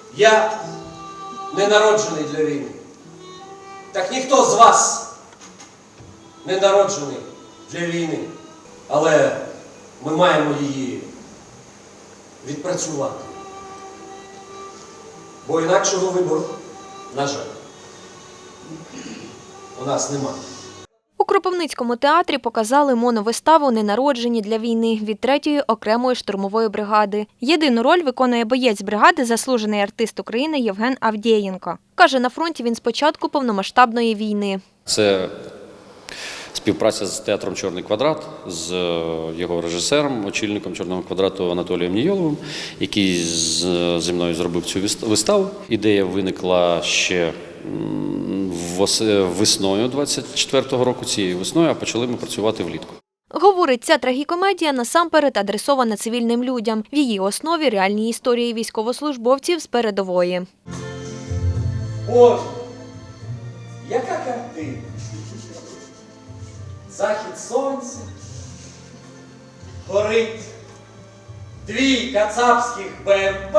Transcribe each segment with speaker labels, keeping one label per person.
Speaker 1: Я не народжений для війни. Так ніхто з вас не народжений для війни. Але ми маємо її відпрацювати. Бо інакшого вибору, на жаль, у нас немає.
Speaker 2: У Кропивницькому театрі показали моновиставу «Ненароджені для війни» від 3-ї окремої штурмової бригади. Єдину роль виконує боєць бригади, заслужений артист України Євген Авдєєнко. Каже, на фронті він з початку повномасштабної війни.
Speaker 3: Це співпраця з театром «Чорний квадрат», з його режисером, очільником «Чорного квадрату» Анатолієм Нійоловим, який зі мною зробив цю виставу. Ідея виникла ще весною 24-го року, цією весною, а почали ми працювати влітку.
Speaker 2: Говорить, ця трагікомедія насамперед адресована цивільним людям. В її основі реальні історії військовослужбовців з передової.
Speaker 1: Боже, яка картина! Захід сонця, горить 2 кацапських БМП.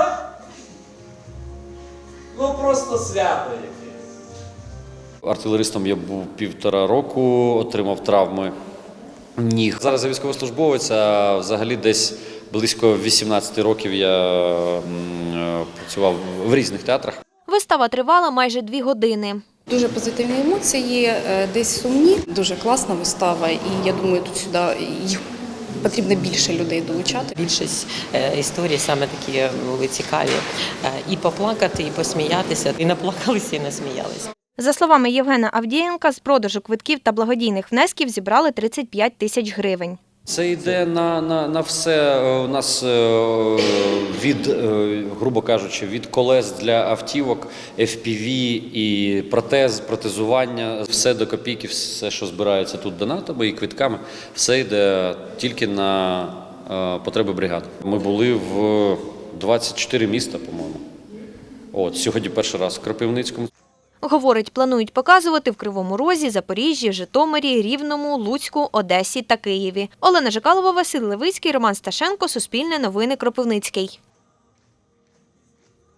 Speaker 1: Ну просто свято якесь.
Speaker 3: Артилеристом я був 1,5 року, отримав травми ніг. Зараз я військовослужбовець, а взагалі десь близько 18 років я працював в різних театрах.
Speaker 2: Вистава тривала майже 2 години.
Speaker 4: Дуже позитивні емоції, десь сумні. Дуже класна вистава, і я думаю, тут сюди їх потрібно більше людей долучати.
Speaker 5: Більшість історій саме такі були цікаві. І поплакати, і посміятися, і наплакалися, і насміялися.
Speaker 2: За словами Євгена Авдєєнка, з продажу квитків та благодійних внесків зібрали 35 тисяч гривень.
Speaker 3: Це йде на все у нас від, грубо кажучи, від колес для автівок, FPV і протезування, все до копійки, все, що збирається тут донатами і квитками, все йде тільки на потреби бригади. Ми були в 24 міста, по-моєму. Сьогодні перший раз в Кропивницькому.
Speaker 2: Говорить, планують показувати в Кривому Розі, Запоріжжі, Житомирі, Рівному, Луцьку, Одесі та Києві. Олена Жикалова, Василь Левицький, Роман Сташенко, Суспільне новини, Кропивницький.